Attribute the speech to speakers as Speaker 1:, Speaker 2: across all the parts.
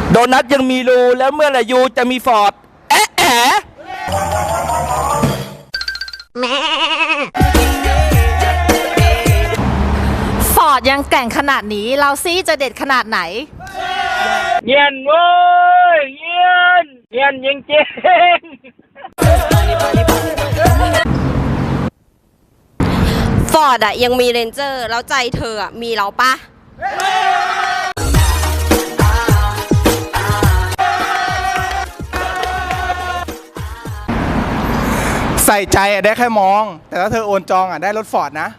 Speaker 1: โดนัทยังมีรูแล้วเมื่อไหร่ยูจะมีฟอร์ดแอะแอะ
Speaker 2: ฟอร์ดยังแกร่งขนาดนี้เราซี่จะเด็ดขนาดไหน
Speaker 1: เงียนเว้ยเงียนจริง
Speaker 3: ฟอร์ดอะยังมีเรนเจอร์แล้วใจเธออะมีเราปะ
Speaker 4: ใส่ใจอะได้แค่มองแต่ถ้าเธอโอนจองอะได้รถฟอร์ดนะ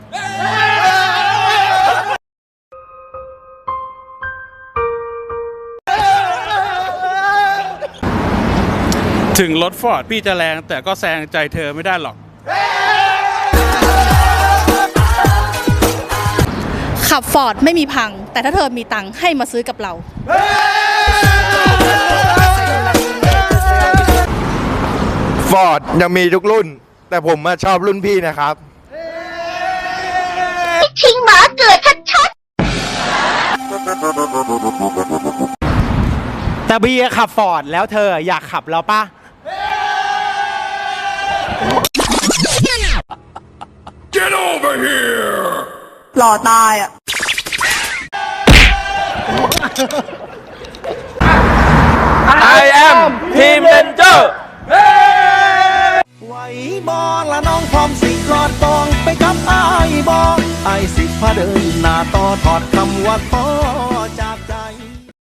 Speaker 5: ถึงรถฟอร์ดพี่จะแรงแต่ก็แซงใจเธอไม่ได้หรอก
Speaker 2: ขับฟอร์ดไม่มีพังแต่ถ้าเธอมีตังค์ให้มาซื้อกับเรา
Speaker 6: ฟอร์ดยังมีทุกรุ่นแต่ผมชอบรุ่นพี่นะครับ
Speaker 7: ทิ้งหมาเกิดชัด
Speaker 4: แต่บีขับฟอร์ดแล้วเธออยากขับเราปะ
Speaker 2: หล่อตายอ่ะ
Speaker 1: I am Team Ranger
Speaker 8: ไหวบอละน้องพร้อมสิกอดตองไปกับอ้ายบอไอสิพาเดินหน้าต่อถอดคำว่าท้อ